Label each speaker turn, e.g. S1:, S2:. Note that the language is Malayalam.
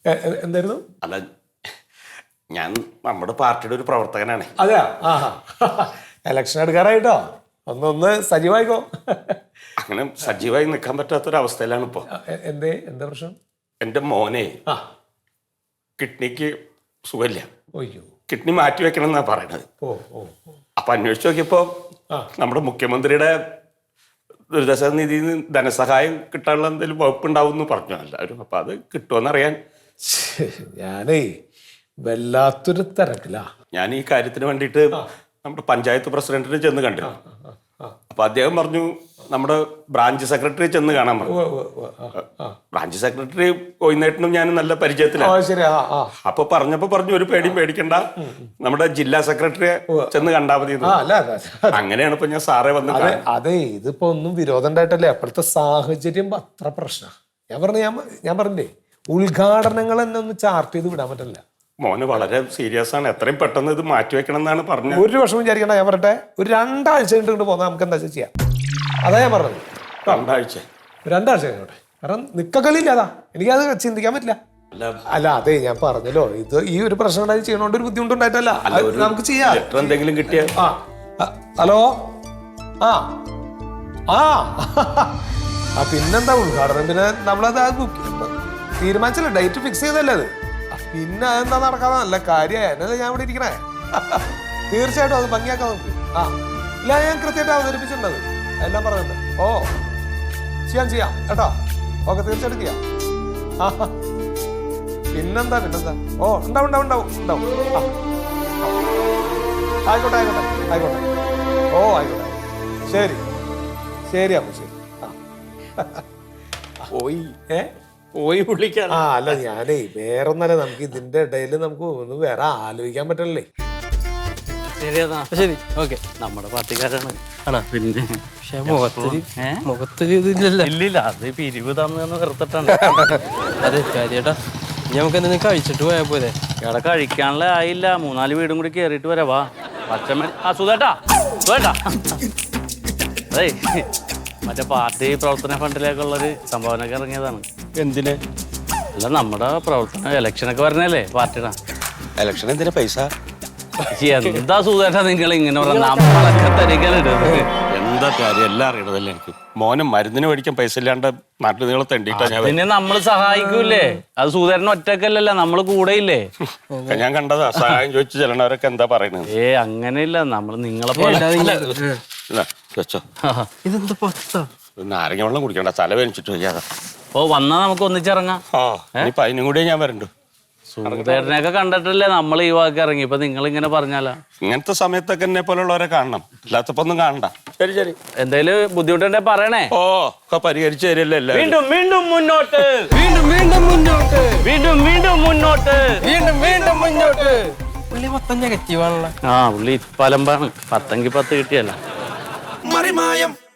S1: എന്തായിരുന്നു?
S2: അല്ല, ഞാൻ നമ്മുടെ പാർട്ടിയുടെ ഒരു പ്രവർത്തകനാണ്.
S1: അതെയാ? ഇലക്ഷൻ എടുക്കാറായിട്ടോ, ഒന്ന് സജീവായിക്കോ.
S2: അങ്ങനെ സജീവമായി നിൽക്കാൻ പറ്റാത്തൊരവസ്ഥയിലാണ് ഇപ്പോൾ.
S1: എന്താ പ്രശ്നം?
S2: എൻ്റെ മോനെ കിഡ്നിക്ക് സുഖമില്ല.
S1: ഓയ്യോ.
S2: കിഡ്നി മാറ്റി വെക്കണം എന്നാണ് പറയണത്. അപ്പൊ അന്വേഷിച്ച് നോക്കിയപ്പോ നമ്മുടെ മുഖ്യമന്ത്രിയുടെ ദുരിതാശ്വാസ നിധിയിൽ നിന്ന് ധനസഹായം കിട്ടാനുള്ള എന്തെങ്കിലും വകുപ്പുണ്ടാവും എന്ന് പറഞ്ഞു എല്ലാവരും. അപ്പൊ അത് കിട്ടുമെന്നറിയാൻ
S1: ഞാനേ വല്ലാത്തൊരു തിരക്കില്ല.
S2: ഞാൻ ഈ കാര്യത്തിന് വേണ്ടിയിട്ട് നമ്മുടെ പഞ്ചായത്ത് പ്രസിഡന്റിനെ ചെന്ന് കണ്ടിരുന്നു. അപ്പൊ അദ്ദേഹം പറഞ്ഞു നമ്മുടെ ബ്രാഞ്ച് സെക്രട്ടറി ചെന്ന് കാണാൻ പറഞ്ഞു. ബ്രാഞ്ച് സെക്രട്ടറി കോയിനേട്ടനും ഞാൻ നല്ല പരിചയത്തിലാണ്. അപ്പൊ പറഞ്ഞു ഒരു പേടിയും പേടിക്കണ്ട, നമ്മുടെ ജില്ലാ സെക്രട്ടറിയെ ചെന്ന് കണ്ടാ മതി. അങ്ങനെയാണ് ഇപ്പൊ ഞാൻ സാറേ വന്നത്.
S1: അതെ, ഇതിപ്പോ ഒന്നും വിരോധം ഉണ്ടായിട്ടല്ലേ, അപ്പോഴത്തെ സാഹചര്യം അത്ര പ്രശ്നം. ഞാൻ പറഞ്ഞേ, ഉദ്ഘാടനങ്ങൾ തന്നെ ഒന്ന് ചാർട്ട് ചെയ്ത് വിടാൻ പറ്റില്ല.
S2: മോന് വളരെ സീരിയസ് ആണ്, എത്രയും പെട്ടെന്ന് ഇത് മാറ്റിവെക്കണം എന്നാണ് പറഞ്ഞത്.
S1: ഒരു വർഷം വിചാരിക്കണ്ട. ഞാൻ പറയട്ടെ, ഒരു 2 ആഴ്ച കഴിഞ്ഞിട്ട് പോന്നാൽ നമുക്ക് എന്താ ചെയ്യാം. അതാ ഞാൻ പറഞ്ഞത്.
S2: 2 ആഴ്ച
S1: 2 ആഴ്ച കഴിഞ്ഞോട്ടെ. കാരണം നിക്കക്കളിയില്ലാതാ, എനിക്കത് ചിന്തിക്കാൻ പറ്റില്ല. അല്ല അതെ, ഞാൻ പറഞ്ഞല്ലോ, ഇത് ഈ ഒരു പ്രശ്നം ഉണ്ടായി ചെയ്യണോണ്ട് ഒരു ബുദ്ധിമുട്ടുണ്ടായിട്ടല്ല, നമുക്ക് ചെയ്യാം.
S2: എന്തെങ്കിലും കിട്ടിയ.
S1: ഹലോ. പിന്നെന്താ ഉദ്ഘാടനം? പിന്നെ നമ്മളത് തീരുമാനിച്ചല്ലേ, ഡേറ്റ് ഫിക്സ് ചെയ്തല്ലേ അത്. പിന്നെ അതെന്താ നടക്കാതെ നല്ല കാര്യമായി എന്നല്ലേ ഞാൻ ഇവിടെ ഇരിക്കണേ. തീർച്ചയായിട്ടും അത് ഭംഗിയാക്കാം നമുക്ക്. ഇല്ല, ഞാൻ കൃത്യമായിട്ട് അവതരിപ്പിച്ചിട്ടുണ്ടത് എല്ലാം പറഞ്ഞിട്ട്. ചെയ്യാം കേട്ടോ. ഓക്കെ, തീർച്ചയായിട്ടും ചെയ്യാം. പിന്നെന്താ ഉണ്ടാവും. ആയിക്കോട്ടെ. ആയിക്കോട്ടെ. ശരി അപ്പൊ ശരി.
S2: പോയി വിളിക്കാൻ.
S1: അല്ല, ഞാനേ വേറൊന്നല്ല, നമുക്ക് ഇതിന്റെ ഇടയിൽ നമുക്ക് ഒന്ന് വേറെ ആലോചിക്കാൻ പറ്റണല്ലേ.
S3: ശരി, ഓക്കെ. നമ്മുടെ പാർട്ടിക്കാരാണ്.
S4: പിന്നെ
S3: പക്ഷെ മുഖത്തൊരു ഇതില്ലല്ലോ.
S4: ഇല്ലില്ല, അത് പിരിവ് തന്നു വെറുത്തിട്ടാണ്.
S3: അതെ കാര്യേട്ടാ, നമുക്ക് എന്തെങ്കിലും കഴിച്ചിട്ട് പോയാ പോലെ.
S4: ഇവിടെ കഴിക്കാനുള്ള ആയില്ല, 3-4 വീടും കൂടി കേറിയിട്ട് വരാ. പച്ചമണി സുധേട്ടാ. അതെ, മറ്റേ പാർട്ടി പ്രവർത്തന ഫണ്ടിലേക്കുള്ളൊരു സംഭാവനയൊക്കെ ഇറങ്ങിയതാണ്.
S2: എന്തിന്?
S4: അല്ല, നമ്മുടെ പ്രവർത്തന ഇലക്ഷനൊക്കെ വരണല്ലേ പാർട്ടിയുടെ.
S2: ഇലക്ഷൻ എന്തിനാ പൈസ?
S4: എന്താ സുധേട്ടാ നിങ്ങൾ ഇങ്ങനെ പറഞ്ഞ നമ്മളൊക്കെ തരികയിലിടുന്നത്.
S2: എന്താ കാര്യം എല്ലാം അറിയണതല്ലേ എനിക്ക്. മോനും മരുന്നിന് മേടിക്കാൻ പൈസ ഇല്ലാണ്ട് നാട്ടിൽ നിങ്ങൾ തെണ്ടിട്ടാ.
S4: പിന്നെ നമ്മള് സഹായിക്കൂലേ, അത് സുധേട്ടൻ ഒറ്റക്കല്ലല്ലോ, നമ്മള് കൂടെയില്ലേ.
S2: ഞാൻ കണ്ടതാ, സഹായം ചോദിച്ചു ചെല്ലണവരൊക്കെ എന്താ പറയണത്.
S4: അങ്ങനെയില്ല, നമ്മള് നിങ്ങളെ
S2: വെച്ചോ.
S3: ഇതെന്താ
S2: നാരങ്ങ വെള്ളം കുടിക്കണ്ട, തല വേനിച്ചിട്ട് വയ്യാതെ.
S4: വന്നാ നമുക്ക് ഒന്നിച്ചിറങ്ങാം.
S2: ഇനിയിപ്പൊ അതിനും കൂടിയേ ഞാൻ വരണ്ടു.
S4: സുധേട്ടനെയൊക്കെ കണ്ടിട്ടല്ലേ നമ്മൾ ഈ വാക്ക് ഇറങ്ങി. ഇപ്പൊ നിങ്ങൾ ഇങ്ങനെ പറഞ്ഞാലാ.
S2: ഇങ്ങനത്തെ സമയത്തൊക്കെ എന്നെ പോലുള്ളവരെ കാണണം, അല്ലാത്തപ്പോ ഒന്നും കാണണ്ട. ശരി.
S4: എന്തേലും ബുദ്ധിമുട്ടുണ്ടെ പറയണേ.
S2: ഒക്കെ പരിഹരിച്ചു തരില്ലേ.
S4: വീണ്ടും മുന്നോട്ട്.
S3: പുള്ളി മൊത്തം നെഗറ്റീവാണല്ലോ.
S4: പുള്ളി പലമ്പാണ്. 10-10 കിട്ടിയല്ല.
S5: മറിമായം